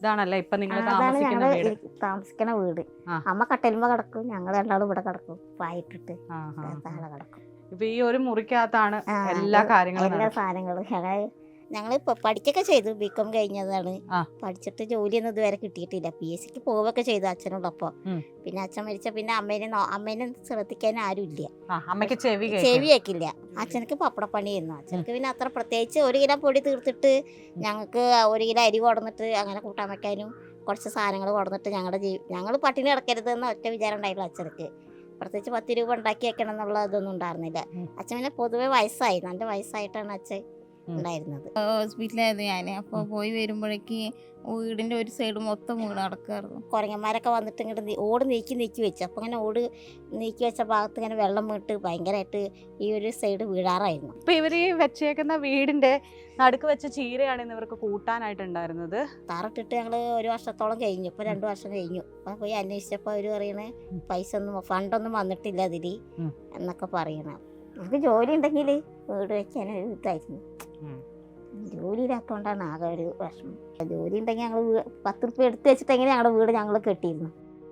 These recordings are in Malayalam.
ഇതാണല്ലേ ഇപ്പൊ നിങ്ങൾ അതാണ് താമസിക്കുന്ന ഞങ്ങള് വീട്? താമസിക്കുന്ന വീട്. ആ. അമ്മ കട്ടലുമ്പോ കിടക്കും, ഞങ്ങൾ രണ്ടാളും ഇവിടെ കിടക്കും, പായിട്ടിട്ട് താഴെ കിടക്കും. ഇപ്പൊ ഈ ഒരു മുറിക്കകത്താണ് ആ, എല്ലാ കാര്യങ്ങളും എല്ലാ സാധനങ്ങളും ഞങ്ങൾ പഠിക്കൊക്കെ ചെയ്തു. ബികോം കഴിഞ്ഞതാണ്. പഠിച്ചിട്ട് ജോലിയൊന്നും ഇതുവരെ കിട്ടിയിട്ടില്ല. PSC പോവുകയൊക്കെ ചെയ്തു അച്ഛനോടൊപ്പം. പിന്നെ അച്ഛൻ മരിച്ച പിന്നെ അമ്മേനെ ശ്രദ്ധിക്കാൻ ആരും ഇല്ല. അമ്മയ്ക്ക് ചെവി കേൾക്കില്ല. അച്ഛനക്ക് പപ്പടപ്പണിയായിരുന്നു. അച്ഛനക്ക് പിന്നെ അത്ര പ്രത്യേകിച്ച് 1 കിലോ പൊടി തീർത്തിട്ട് ഞങ്ങൾക്ക് 1 കിലോ അരി കൊടുന്നിട്ട് അങ്ങനെ കൂട്ടാൻ വെക്കാനും കുറച്ച് സാധനങ്ങൾ കൊടുന്നിട്ട് ഞങ്ങൾ പട്ടിണി കിടക്കരുതെന്ന് ഒറ്റ വിചാരം ഉണ്ടായിരുന്നു അച്ഛനക്ക്. പ്രത്യേകിച്ച് 10 രൂപ ഉണ്ടാക്കി വെക്കണം എന്നുള്ള ഇതൊന്നും ഉണ്ടായിരുന്നില്ല. അച്ഛൻ പിന്നെ പൊതുവെ വയസ്സായി, നല്ല വയസ്സായിട്ടാണ് അച്ഛൻ ഉണ്ടായിരുന്നത്. ഹോസ്പിറ്റലായിരുന്നു ഞാൻ. അപ്പോൾ പോയി വരുമ്പോഴേക്ക് വീടിൻ്റെ ഒരു സൈഡ് മൊത്തം വീട് നടക്കായിരുന്നു. കുരങ്ങന്മാരൊക്കെ വന്നിട്ട് ഇങ്ങോട്ട് ഓട് നീക്കി വെച്ചു. അപ്പോൾ അങ്ങനെ ഓട് നീക്കി വെച്ച ഭാഗത്ത് ഇങ്ങനെ വെള്ളം വീട്ട് ഭയങ്കരമായിട്ട് ഈ ഒരു സൈഡ് വീഴാറായിരുന്നു. ഇപ്പൊ ഇവര് ഈ വെച്ചേക്കുന്ന വീടിന്റെ നടുക്ക് വെച്ച ചീരയാണ് ഇന്ന് ഇവർക്ക് കൂട്ടാനായിട്ടുണ്ടായിരുന്നത്. താറിട്ടിട്ട് ഞങ്ങൾ 1 വർഷത്തോളം കഴിഞ്ഞു. ഇപ്പോൾ 2 വർഷം കഴിഞ്ഞു. അപ്പോൾ പോയി അന്വേഷിച്ചപ്പോൾ അവർ പറയണേ ഫണ്ടൊന്നും വന്നിട്ടില്ല അതിൽ എന്നൊക്കെ പറയണം. നമുക്ക് ജോലി ഉണ്ടെങ്കിൽ വീട് വെക്കാൻ ഇതായിരുന്നു. ജോലി ഇല്ലാത്തതുകൊണ്ടാണ് ആകെ ഒരു വിഷമം. ജോലി ഉണ്ടെങ്കിൽ ഞങ്ങൾ 10 റുപ്യ എടുത്ത് വെച്ചിട്ടെങ്കിൽ ഞങ്ങളുടെ വീട് ഞങ്ങൾ കെട്ടിയിരുന്നു.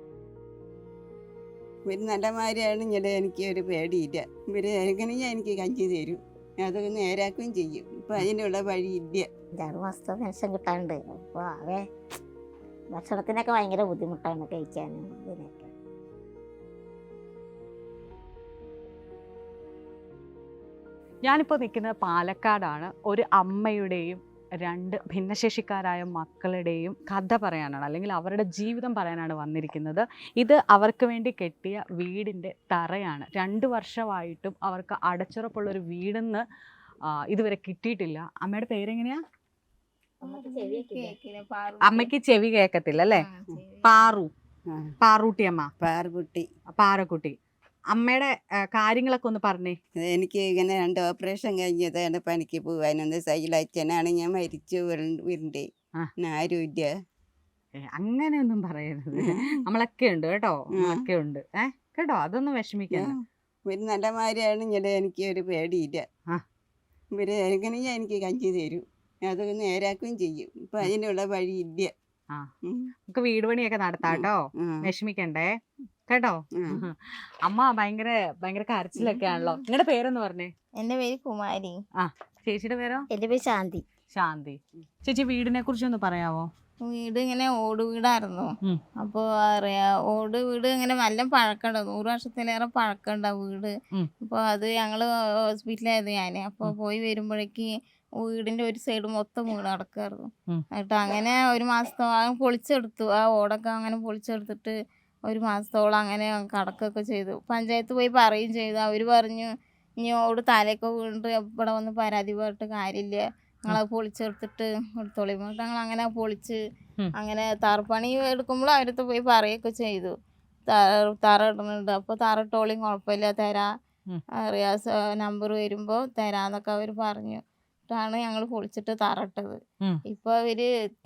ഇവർ നല്ലമാരാണ് ഇങ്ങനെ, എനിക്ക് ഒരു പേടിയില്ല. ഇവർ എങ്ങനെയാ എനിക്ക് കഞ്ചി തരും, അതൊക്കെ നേരാക്കുകയും ചെയ്യും. ഇപ്പം അതിനുള്ള വഴിയില്ല. 6 മാസത്തെ പെൻഷൻ കിട്ടാനുണ്ട്. അപ്പോൾ ആകെ ഭക്ഷണത്തിനൊക്കെ ഭയങ്കര ബുദ്ധിമുട്ടാണ് കഴിക്കാനും ഇതിനൊക്കെ. ഞാനിപ്പോൾ നിൽക്കുന്നത് പാലക്കാടാണ്. ഒരു അമ്മയുടെയും 2 ഭിന്നശേഷിക്കാരായ മക്കളുടെയും കഥ പറയാനാണ്, അല്ലെങ്കിൽ അവരുടെ ജീവിതം പറയാനാണ് വന്നിരിക്കുന്നത്. ഇത് അവർക്ക് വേണ്ടി കെട്ടിയ വീടിൻ്റെ തറയാണ്. 2 വർഷമായിട്ടും അവർക്ക് അടച്ചുറപ്പുള്ളൊരു വീടെന്ന് ഇതുവരെ കിട്ടിയിട്ടില്ല. അമ്മയുടെ പേരെങ്ങനെയാ? അമ്മയ്ക്ക് ചെവി കേൾക്കത്തില്ല അല്ലേ? പാറൂട്ടിയമ്മ. പാറക്കുട്ടി. അമ്മയുടെ കാര്യങ്ങളൊക്കെ ഒന്ന് പറഞ്ഞേ. എനിക്ക് ഇങ്ങനെ 2 ഓപ്പറേഷൻ കഴിഞ്ഞതാണ്. പണിക്ക് പോകാനൊന്ന് സൈലച്ഛനാണ്, ഞാൻ മരിച്ചു വീടിൻ്റെ. ആരും ഇല്ല. അങ്ങനെയൊന്നും പറയരുത്. നമ്മളൊക്കെ ഉണ്ട് കേട്ടോ, നമ്മളൊക്കെ ഉണ്ട് കേട്ടോ, അതൊന്നും വിഷമിക്കണം. ഇവർ നല്ലമാരാണ് ഇങ്ങനെ, എനിക്ക് ഒരു പേടിയില്ല. ഇവർ എങ്ങനെയാ എനിക്ക് കഞ്ചി തരും, അതൊക്കെ നേരാക്കുകയും ചെയ്യും. ഇപ്പം അതിനുള്ള വഴിയില്ല. നമുക്ക് വീട് പണിയൊക്കെ നടത്താം കേട്ടോ, വിഷമിക്കണ്ടേ കേട്ടോ. അമ്മ ഭയങ്കര കരച്ചിലൊക്കെ ആണല്ലോ. നിങ്ങളുടെ പേരെന്ന് പറഞ്ഞേ? എൻ്റെ പേര് കുമാരി. ചേച്ചിയുടെ പേരോ? എൻ്റെ പേര് ശാന്തി. ചേച്ചി വീടിനെ കുറിച്ചൊന്ന് പറയാവോ? വീട് ഇങ്ങനെ ഓട് വീടായിരുന്നു. അപ്പോൾ ഓട് വീട് ഇങ്ങനെ നല്ല പഴക്കമുണ്ട്, 100 വർഷത്തിലേറെ പഴക്കമുണ്ട് വീട്. അപ്പോൾ അത് ഞങ്ങൾ ഹോസ്പിറ്റലായിരുന്നു ഞാൻ. അപ്പോൾ പോയി വരുമ്പോഴേക്ക് വീടിൻ്റെ ഒരു സൈഡ് മൊത്തം വീട് നടക്കായിരുന്നു. എന്നിട്ട് അങ്ങനെ 1 മാസത്തോളം പൊളിച്ചെടുത്തു. ആ ഓടൊക്കെ അങ്ങനെ പൊളിച്ചെടുത്തിട്ട് 1 മാസത്തോളം അങ്ങനെ കടക്കൊക്കെ ചെയ്തു. പഞ്ചായത്ത് പോയി പറയുകയും ചെയ്തു. അവർ പറഞ്ഞു ഇനി ഓട് തലയൊക്കെ വീണിട്ട് ഇവിടെ വന്ന് പരാതി പറഞ്ഞിട്ട് കാര്യമില്ല, ഞങ്ങളത് പൊളിച്ചെടുത്തിട്ട് എടുത്തോളി. ഞങ്ങൾ അങ്ങനെ പൊളിച്ച് അങ്ങനെ തറപ്പണി എടുക്കുമ്പോൾ അവരടുത്ത് പോയി പറയുകയൊക്കെ ചെയ്തു, തറ ഇടുന്നുണ്ട്, അപ്പോൾ തറ ഇട്ടോളിയും കുഴപ്പമില്ല, തരാ അറിയാം, നമ്പർ വരുമ്പോൾ തരാന്നൊക്കെ അവർ പറഞ്ഞു. ാണ് ഞങ്ങൾ പൊളിച്ചിട്ട് തറ ഇട്ടത്. ഇപ്പൊ അവര്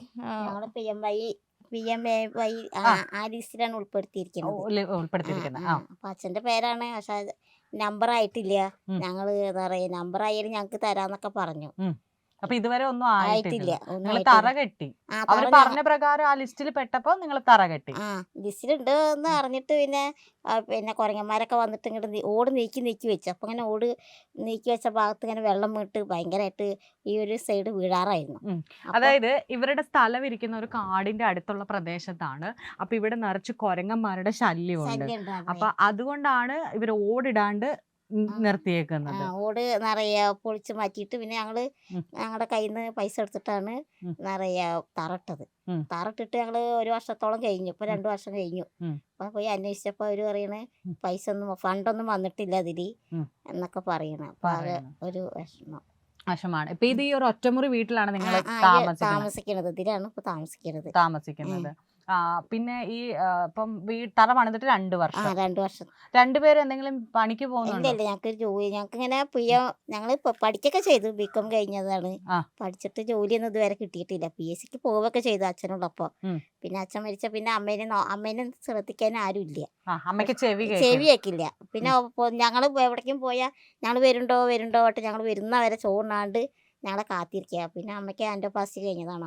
PMAY ആ ലിസ്റ്റിലാണ് ഉൾപ്പെടുത്തിയിരിക്കുന്നത്. അപ്പൊ അച്ഛന്റെ പേരാണ്, പക്ഷെ നമ്പർ ആയിട്ടില്ല. ഞങ്ങള് എന്താ പറയാ, നമ്പർ ആയാലും ഞങ്ങക്ക് തരാന്നൊക്കെ പറഞ്ഞു. അപ്പൊ ഇതുവരെ ഒന്നും ആയിട്ടില്ല. നിങ്ങൾ തറ കെട്ടി, അവര് പറഞ്ഞ പ്രകാരം ആ ലിസ്റ്റിൽ പെട്ടപ്പോ നിങ്ങൾ തറ കെട്ടി. ലിസ്റ്റിലുണ്ട് എന്ന് അറിഞ്ഞിട്ട് പിന്നെ കുരങ്ങന്മാരൊക്കെ വന്നിട്ട് ഇങ്ങോട്ട് ഓട് നീക്കി വെച്ചു. അപ്പൊ അങ്ങനെ ഓട് നീക്കി വെച്ച ഭാഗത്ത് ഇങ്ങനെ വെള്ളം വീട്ട് ഭയങ്കരമായിട്ട് ഈ ഒരു സൈഡ് വീഴാറായിരുന്നു. അതായത് ഇവരുടെ സ്ഥലം ഇരിക്കുന്ന ഒരു കാടിന്റെ അടുത്തുള്ള പ്രദേശത്താണ്. അപ്പൊ ഇവിടെ നിറച്ച് കുരങ്ങന്മാരുടെ ശല്യമുണ്ട്. അപ്പൊ അതുകൊണ്ടാണ് ഇവർ ഓടിടാണ്ട് നിർത്തിയേക്കുന്നത്. ഓട് നിറയെ പൊളിച്ച് മാറ്റിയിട്ട് പിന്നെ ഞങ്ങളുടെ കയ്യിൽ നിന്ന് പൈസ എടുത്തിട്ടാണ് നിറയെ തറട്ടത്. തറട്ടിട്ട് ഞങ്ങള് 1 വർഷത്തോളം കഴിഞ്ഞു. ഇപ്പൊ 2 വർഷം കഴിഞ്ഞു. അപ്പൊ പോയി അന്വേഷിച്ചപ്പോ അവര് പറയണേ ഫണ്ടൊന്നും വന്നിട്ടില്ല അതില് എന്നൊക്കെ പറയണ. അപ്പൊ അത് ഒരു വിഷമാണ്. ഇപ്പൊ ഇത് ഈ ഒരു ഒറ്റമുറി വീട്ടിലാണ് നിങ്ങൾ താമസിക്കുന്നത്. ഇതിലാണ് ഇപ്പൊ താമസിക്കുന്നത്. പിന്നെ ഈ ഇപ്പം തറ പണിതിട്ട് 2 വർഷം. 2 വർഷം. രണ്ടുപേരും എന്തെങ്കിലും പണിക്ക് പോകുന്നുണ്ടോ? ഇല്ല, ഞങ്ങൾക്ക് ഇങ്ങനെ ഞങ്ങള് പഠിക്കൊക്കെ ചെയ്തു. ബികോം കഴിഞ്ഞതാണ്. പഠിച്ചിട്ട് ജോലിയൊന്നും ഇതുവരെ കിട്ടിയിട്ടില്ല. PSC പോവുകയൊക്കെ ചെയ്തു അച്ഛനോടൊപ്പം. പിന്നെ അച്ഛൻ മരിച്ച പിന്നെ അമ്മേനെ ശ്രദ്ധിക്കാൻ ആരും ഇല്ല. അമ്മയ്ക്ക് ചെവി കേൾക്കില്ല. പിന്നെ ഞങ്ങൾ എവിടേക്കും പോയാൽ ഞങ്ങൾ വരുന്നുണ്ടോ ഞങ്ങൾ വരുന്നവരെ ചോറിനാണ്ട് ഞങ്ങളെ കാത്തിരിക്കുക. പിന്നെ അമ്മയ്ക്ക് ആൻഡോപ്ലാസ്റ്റി കഴിഞ്ഞതാണ്.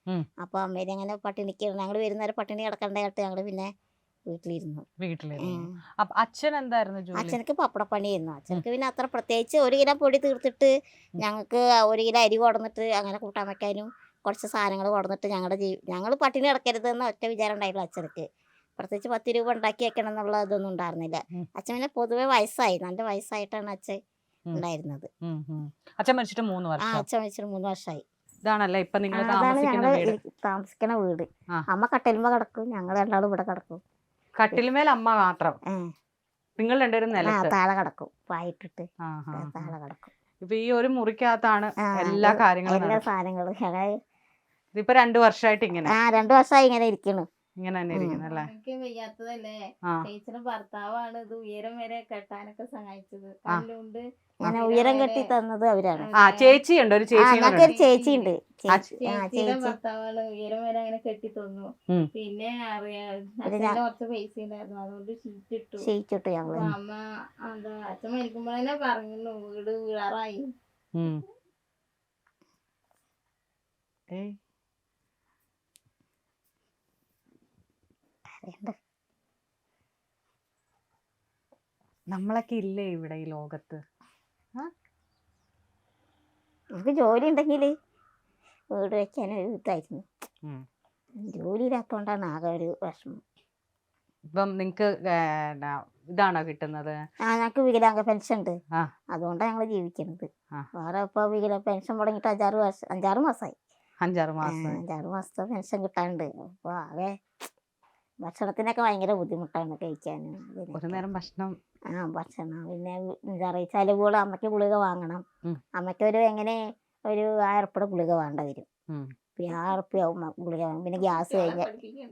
ഉം. അപ്പോൾ അമ്മേനെ അങ്ങനെ പട്ടിണിക്ക് ഞങ്ങൾ വരുന്നവരെ പട്ടിണി കിടക്കണ്ടായിട്ട് ഞങ്ങൾ പിന്നെ വീട്ടിലിരുന്നു. വീട്ടിലിരുന്നു. അപ്പൊ അച്ഛൻ എന്തായിരുന്നു ജോലി? അച്ഛനക്ക് പപ്പടപ്പണിയായിരുന്നു. അച്ഛനക്ക് പിന്നെ അത്ര പ്രത്യേകിച്ച് 1 കിലോ പൊടി തീർത്തിട്ട് ഞങ്ങൾക്ക് 1 കിലോ അരി കൊടുന്നിട്ട് അങ്ങനെ കൂട്ടാൻ വെക്കാനും കുറച്ച് സാധനങ്ങൾ കൊടുന്നിട്ട് ഞങ്ങൾ പട്ടിണി കിടക്കരുതെന്ന് ഒറ്റ വിചാരം ഉണ്ടായിരുന്നു അച്ഛനക്ക്. പ്രത്യേകിച്ച് 10 രൂപ ഉണ്ടാക്കി വെക്കണം എന്നുള്ള ഇതൊന്നും ഉണ്ടായിരുന്നില്ല. അച്ഛൻ പിന്നെ പൊതുവെ വയസ്സായി, നല്ല വയസ്സായിട്ടാണ് അച്ഛൻ ഉണ്ടായിരുന്നത്. അച്ഛൻ മരിച്ചിട്ട് 3 ആ വർഷം. അച്ഛൻ മരിച്ചിട്ട് 3 വർഷമായി. ഇതാണല്ലേ ഇപ്പൊ നിങ്ങൾ അതാണ് താമസിക്കുന്ന ഞങ്ങൾ വീട്? താമസിക്കുന്ന വീട്. ആ. അമ്മ കട്ടിലുമ്പോ കിടക്കും, ഞങ്ങൾ രണ്ടാളും ഇവിടെ കിടക്കും. കട്ടിലുമേൽ അമ്മ മാത്രം, നിങ്ങൾ രണ്ടുപേരും ആ നിലത്ത്? താഴെ കിടക്കും, പായിട്ടിട്ട് ആഹാ. താഴെ കിടക്കും. ഇപ്പൊ ഈ ഒരു മുറിക്കകത്താണ് ആ, എല്ലാ ഇത് കാര്യങ്ങളും എല്ലാ നടക്കുന്നത്. സാധനങ്ങളും ഇതിപ്പോ 2 വർഷമായിട്ട് ഇങ്ങനെ 2 വർഷമായി ഇങ്ങനെ ഇരിക്കണു. ഇങ്ങനെ തന്നെ ഇരിക്കുന്നു അല്ലേ? എനിക്ക് വയ്യാത്തതല്ലേ, ആ. ചേച്ചിയുടെ ഭർത്താവാണ് ഇത് ഉയരം വരെ കെട്ടാനൊക്കെ സഹായിച്ചത്. കല്ലുകൊണ്ട് അങ്ങനെ ഉയരം കെട്ടി തന്നത് അവരാണ്. ആ ചേച്ചി ഉണ്ട്, ഒരു ചേച്ചി ഞങ്ങൾക്കൊരു ചേച്ചി ഉണ്ട്. ചേച്ചിയുടെ ചേച്ചി ഭർത്താവാണ് ഉയരം വരെ അങ്ങനെ കെട്ടി തന്നു. ഉം. പിന്നെ അറിയാം പിന്നെ അച്ഛന് കുറച്ച് പൈസ ഉണ്ടായിരുന്നു, അതുകൊണ്ട് ഷീറ്റ് ഇട്ടു. ക്ഷയിച്ചിട്ട് ഞങ്ങള് അപ്പൊ അമ്മ അച്ഛൻ മരിക്കുമ്പോൾ തന്നെ പറഞ്ഞു വീട് വീഴാറായി. നമ്മളൊക്കെ ഇല്ലേ ഇവിടെ ഈ ലോകത്ത്? നമുക്ക് ജോലി ഉണ്ടെങ്കിൽ വീട് വെക്കാനൊരു ഇതായിരുന്നു. ജോലി ഇല്ലാത്തോണ്ടാണ് ആകെ ഒരു വിഷമം. ഇപ്പം നിങ്ങക്ക് ഇതാണോ കിട്ടുന്നത്? ഞങ്ങൾക്ക് വികലാംഗ പെൻഷൻ ഉണ്ട്, ആ. അതുകൊണ്ടാണ് ഞങ്ങൾ ജീവിക്കുന്നത്. ആ. വേറെ ഇപ്പൊ പെൻഷൻ തുടങ്ങിയിട്ട് 5-6 മാസമായി. 5-6 മാസം. 5-6 മാസത്തെ പെൻഷൻ കിട്ടാനുണ്ട്. അപ്പൊ ആകെ ഭക്ഷണത്തിനൊക്കെ ഭയങ്കര ബുദ്ധിമുട്ടാണ് കഴിക്കാനും. ഒരു നേരം ഭക്ഷണം. ഭക്ഷണം പിന്നെ എന്താ പറയുക, ചിലവുകൾ അമ്മയ്ക്ക് ഗുളിക വാങ്ങണം. അമ്മയ്ക്ക് എങ്ങനെ ഒരു 1000 ഉറുപ്പിക ഗുളിക വേണ്ട വരും. 1000 ഉറുപ്പിയാവും ഗുളിക വാങ്ങും. പിന്നെ ഗ്യാസ് കഴിഞ്ഞ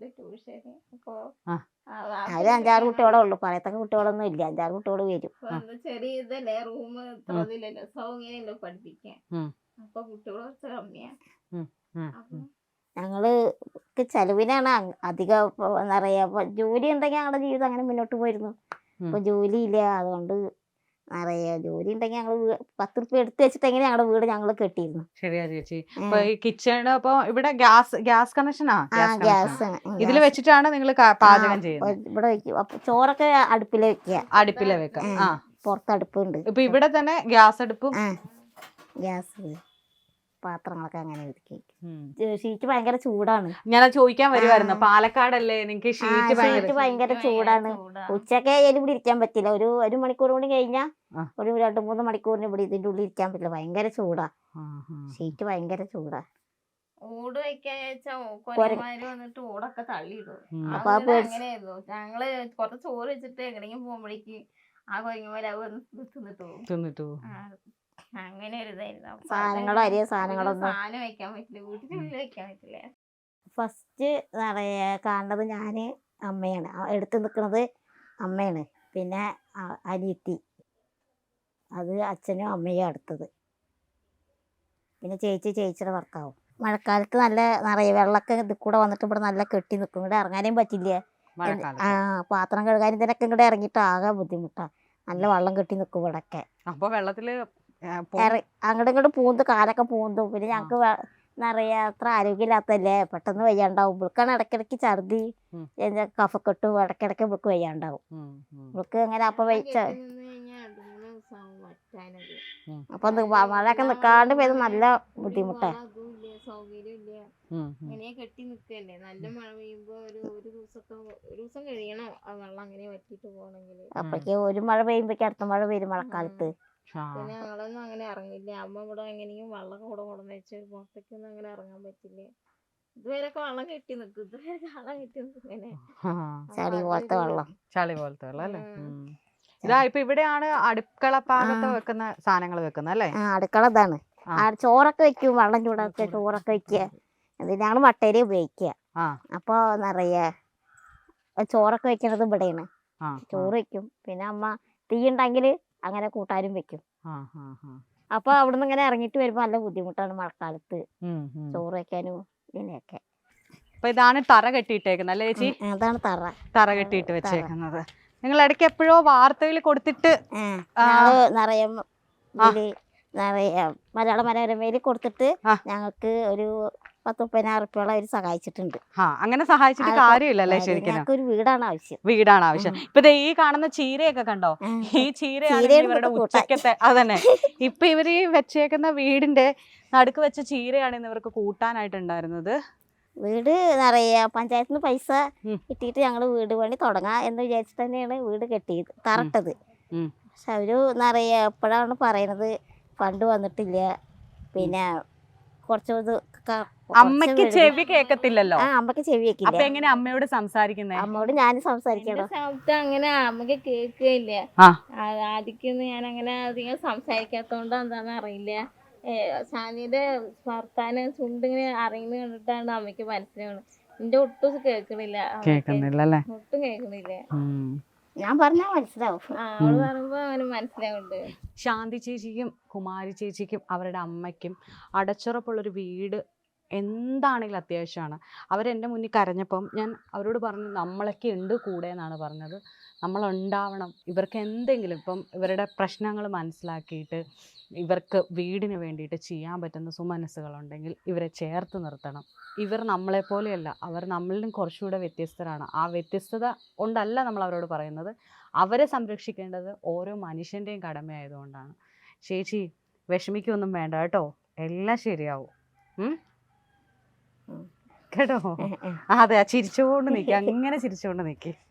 ഒരു 5-6 കുട്ടികളെ ഉള്ളു, പറയത്തക്ക കുട്ടികളൊന്നും ഇല്ല. 5-6 കുട്ടികൾ വരും. ചെറിയ ഇതല്ലേ, റൂം സൗകര്യമല്ലോ പഠിപ്പിക്കാൻ, അപ്പൊ കുട്ടികൾ കുറച്ച് കമ്മിയാ. ഞങ്ങൾക്ക് ചെലവിനാണ് അധികം. എന്താ പറയാ, ജോലി ഉണ്ടെങ്കിൽ ഞങ്ങളുടെ ജീവിതം അങ്ങനെ മുന്നോട്ട് പോയിരുന്നു. ഇപ്പൊ ജോലി ഇല്ല, അതുകൊണ്ട് അറിയാ ജോലി ഉണ്ടെങ്കിൽ ഞങ്ങൾ 10 ഉറുപ്പിക എടുത്ത് വെച്ചിട്ടെങ്കിലും ഞങ്ങളുടെ വീട് ഞങ്ങൾ കെട്ടിയിരുന്നു. ശരിയാ ചേച്ചി. ഇപ്പൊ ഈ കിച്ചണ് അപ്പൊ ഇവിടെ ഗ്യാസ് കണക്ഷനാ? ഗ്യാസ് ഇതിൽ വെച്ചിട്ടാണ് നിങ്ങൾ പാചകം ചെയ്യുന്നത്? ഇവിടെ വെക്കും. അപ്പൊ ചോറൊക്കെ അടുപ്പില് വെക്കുക. അടുപ്പിലെ വെക്കാം. പുറത്ത് അടുപ്പുണ്ട്. ഇപ്പൊ ഇവിടെ തന്നെ ഗ്യാസ് അടുപ്പും ഗ്യാസ് പാത്രങ്ങളൊക്കെ അങ്ങനെ ഒതുക്കി. ഷീറ്റ് ഭയങ്കര ചൂടാണ്. ഞാൻ ചോദിക്കാൻ വരുമായിരുന്നു, പാലക്കാടല്ലേ നിങ്ങൾക്ക് ഷീറ്റ് ഭയങ്കര ചൂടാണ്. ഉച്ചക്കെ ഇവിടെ ഇരിക്കാൻ പറ്റില്ല. ഒരു മണിക്കൂർ കൂടി കഴിഞ്ഞാൽ ഒരു 2-3 മണിക്കൂറിന് ഇവിടെ ഇതിന്റെ ഉള്ളിൽ ഇരിക്കാൻ പറ്റില്ല. ഭയങ്കര ചൂടാ, ഷീറ്റ് ഭയങ്കര ചൂടാ. ഓട് വെക്കാന്ന് വന്നിട്ട് ഓടൊക്കെ തള്ളിയിടും. അങ്ങനെയായിരുന്നു. ഞങ്ങള് കുറച്ച് ചോറ് വെച്ചിട്ട് എങ്ങനെയെങ്കിലും പോകുമ്പോഴേക്ക് ആ കൊരങ്ങന്മാര് തിന്നിട്ട് പോകും. അങ്ങനെ ഒരു ഇതായിരുന്നു. സാധനങ്ങളൊന്നും വെക്കാൻ പറ്റില്ല, വീട്ടിനുള്ളിൽ വെക്കാൻ പറ്റില്ല. ഫസ്റ്റ് കാണുന്നത് ഞാന് അമ്മയാണ്, എടുത്ത് നിൽക്കുന്നത് അമ്മയാണ്. പിന്നെ അനിയത്തി, അത് അച്ഛനും അമ്മയും അടുത്തത്. പിന്നെ ചേച്ചിയുടെ ഭർത്താവും. മഴക്കാലത്ത് നിറയെ വെള്ളമൊക്കെ ഇതിൽ കൂടെ വന്നിട്ട് ഇവിടെ നല്ല കെട്ടി നിൽക്കും. ഇവിടെ ഇറങ്ങാനും പറ്റില്ല. പാത്രം കഴുകാനും ഇതിനൊക്കെ ഇങ്ങോട്ട് ഇറങ്ങിയിട്ട് ആകെ ബുദ്ധിമുട്ടാണ്. നല്ല വെള്ളം കെട്ടി നിൽക്കും ഇവിടൊക്കെ. അപ്പൊ വെള്ളത്തില് അങ്ങോട്ടും ഇങ്ങോട്ട് കാലൊക്കെ പൂന്തും. പിന്നെ ഞങ്ങക്ക് നിറയെ അത്ര ആരോഗ്യമില്ലാത്തല്ലേ, പെട്ടെന്ന് വയ്യാണ്ടാവും. ഇവൾക്കാണ് ഇടയ്ക്കിടയ്ക്ക് ഛർദി, കഫക്കെട്ടും ഇടയ്ക്കിടയ്ക്ക് ഇവൾക്ക് വയ്യാണ്ടാവും. ഇവൾക്ക് അങ്ങനെ അപ്പൊ അപ്പൊ മഴയൊക്കെ നിക്കാണ്ട് പെയ്ത് നല്ല ബുദ്ധിമുട്ടാണ്. ഇങ്ങനെ കെട്ടി നിക്കല്ലേ, നല്ല മഴ പെയ്യുമ്പോ ഒരു ദിവസം കഴിയണം ആ വെള്ളം അങ്ങനെ വറ്റിട്ട് പോകണമെങ്കിൽ. അപ്പൊക്ക് ഒരു മഴ പെയ്യുമ്പോഴേക്ക് അടുത്ത മഴ വരും മഴക്കാലത്ത്. പിന്നെ ഞങ്ങളൊന്നും അങ്ങനെ ഇറങ്ങില്ല. അമ്മ ഇവിടെ എങ്ങനെയും വെള്ളം കൂടെ കൊണ്ടുവന്ന് വെച്ച് പുറത്തേക്കൊന്നും അങ്ങനെ ഇറങ്ങാൻ പറ്റില്ല. ഇതുവരെയൊക്കെ വെള്ളം കെട്ടി നിക്കും. ഇങ്ങനെ ചളി പോലത്തെ വെള്ളം അല്ലേ? ഇതാ ഇപ്പൊ ഇവിടെയാണ് അടുക്കള ഭാഗത്ത് വെക്കുന്ന സാധനങ്ങൾ വെക്കുന്നത് അല്ലേ? അടുക്കള ഇതാണ്. ചോറൊക്കെ വെക്കും, വെള്ളം ചൂടാക്കുക, ചോറൊക്കെ വെക്കുക. ഇതിനാണ് മട്ടേരി ഉപയോഗിക്കുക. അപ്പൊ നിറയെ ചോറൊക്കെ വെക്കണത് ഇവിടെയാണ്. ചോറ് വെക്കും. പിന്നെ അമ്മ തീ ഉണ്ടെങ്കിൽ അങ്ങനെ കൂട്ടാനും വെക്കും. അപ്പൊ അവിടുന്ന് ഇങ്ങനെ ഇറങ്ങിയിട്ട് വരുമ്പോ നല്ല ബുദ്ധിമുട്ടാണ് മഴക്കാലത്ത് ചോറ് വെക്കാനും ഇതിനെയൊക്കെ. അപ്പൊ ഇതാണ് തറ കെട്ടിയിട്ടേക്കുന്നത് അല്ലേ ചേച്ചി? അതാണ് തറ കെട്ടിയിട്ട് വെച്ചേക്കുന്നത്. നിങ്ങൾ ഇടയ്ക്ക് എപ്പോഴോ വാർത്തയിൽ കൊടുത്തിട്ട് നിറയെ മലയാള മനോരമയിൽ കൊടുത്തിട്ട് ഞങ്ങൾക്ക് ഒരു 10-30,000 റുപ്യോളം അവർ സഹായിച്ചിട്ടുണ്ട്. അങ്ങനെ സഹായിച്ചിട്ട് കാര്യമില്ലല്ലേ ശരിക്കും. ഞങ്ങൾക്ക് ഒരു വീടാണ് ആവശ്യം. വീടാണ് ആവശ്യം. ഇപ്പൊ ദേ ഈ കാണുന്ന ചീരയൊക്കെ കണ്ടോ, ഈ ചീരയാണ് ചീരയാണ് ഇവരുടെ ഇവിടുത്തെ ഉച്ചക്കത്തെ. അതന്നെ ഇപ്പൊ ഇവര് ഈ വെച്ചേക്കുന്ന വീടിന്റെ നടുക്ക് വെച്ച ചീരയാണ് ഇന്ന് ഇവർക്ക് കൂട്ടാനായിട്ടുണ്ടായിരുന്നത്. വീട് നിറയെ പഞ്ചായത്തിൽ നിന്ന് പൈസ ഉം. കിട്ടിയിട്ട് ഞങ്ങൾ വീട് പണി തുടങ്ങാം എന്ന് വിചാരിച്ചിട്ട് തന്നെയാണ് വീട് കെട്ടിയത്, തറട്ടത്. ഉം. പക്ഷെ അവര് നിറയെ എപ്പോഴാണ് പറയണത് ഫണ്ട് വന്നിട്ടില്ല, പിന്നെ കുറച്ച് ഇത് അമ്മയ്ക്ക് ചെവി കേക്കത്തില്ലല്ലോ. അമ്മക്ക് ചെവി അപ്പൊ വെക്കില്ല. എങ്ങനെ അമ്മയോട് സംസാരിക്കുന്നേ? അമ്മയോട് ഞാനും സംസാരിക്കണോ. ശബ്ദം അങ്ങനെ നമുക്ക് കേൾക്കുകയില്ല. ആ. ആദ്യമൊന്നും ഞാൻ അങ്ങനെ അധികം സംസാരിക്കാത്തോണ്ട് എന്താന്ന് അറിയില്ല. ഷാനിയുടെ വർത്താനം ചുണ്ടിങ്ങനെ അറിയുന്ന കണ്ടിട്ടാണ് അമ്മയ്ക്ക് മനസ്സിലാവുന്നത്. എന്റെ ഒട്ടും കേൾക്കണില്ല. കേക്കുന്നില്ലല്ലേ. ഒട്ടും കേൾക്കണില്ല. ഞാൻ പറഞ്ഞാൽ മനസ്സിലാവും. അവള് പറയുമ്പോ അങ്ങനെ മനസ്സിലാവുന്നുണ്ട്. ശാന്തി ചേച്ചിക്കും കുമാരി ചേച്ചിക്കും അവരുടെ അമ്മയ്ക്കും അടച്ചുറപ്പുള്ളൊരു വീട് എന്താണെങ്കിലും അത്യാവശ്യമാണ്. അവരെൻ്റെ മുന്നിൽ കരഞ്ഞപ്പം ഞാൻ അവരോട് പറഞ്ഞു, നമ്മളൊക്കെ ഉണ്ട് കൂടെ എന്നാണ് പറഞ്ഞത്. നമ്മളുണ്ടാവണം. ഇവർക്ക് എന്തെങ്കിലും ഇപ്പം ഇവരുടെ പ്രശ്നങ്ങൾ മനസ്സിലാക്കിയിട്ട് ഇവർക്ക് വീടിന് വേണ്ടിയിട്ട് ചെയ്യാൻ പറ്റുന്ന സുമനസ്സുകളുണ്ടെങ്കിൽ ഇവരെ ചേർത്ത് നിർത്തണം. ഇവർ നമ്മളെപ്പോലെയല്ല, അവർ നമ്മളിലും കുറച്ചുകൂടെ വ്യത്യസ്തരാണ്. ആ വ്യത്യസ്തത കൊണ്ടല്ല നമ്മൾ അവരോട് പറയുന്നത്. അവരെ സംരക്ഷിക്കേണ്ടത് ഓരോ മനുഷ്യൻ്റെയും കടമയായതുകൊണ്ടാണ്. ചേച്ചി വിഷമിക്കൊന്നും വേണ്ട കേട്ടോ, എല്ലാം ശരിയാവും. കേട്ടോ? അതെ, ചിരിച്ചുകൊണ്ട് നിൽക്കുക, അങ്ങനെ ചിരിച്ചുകൊണ്ട് നിൽക്കുക.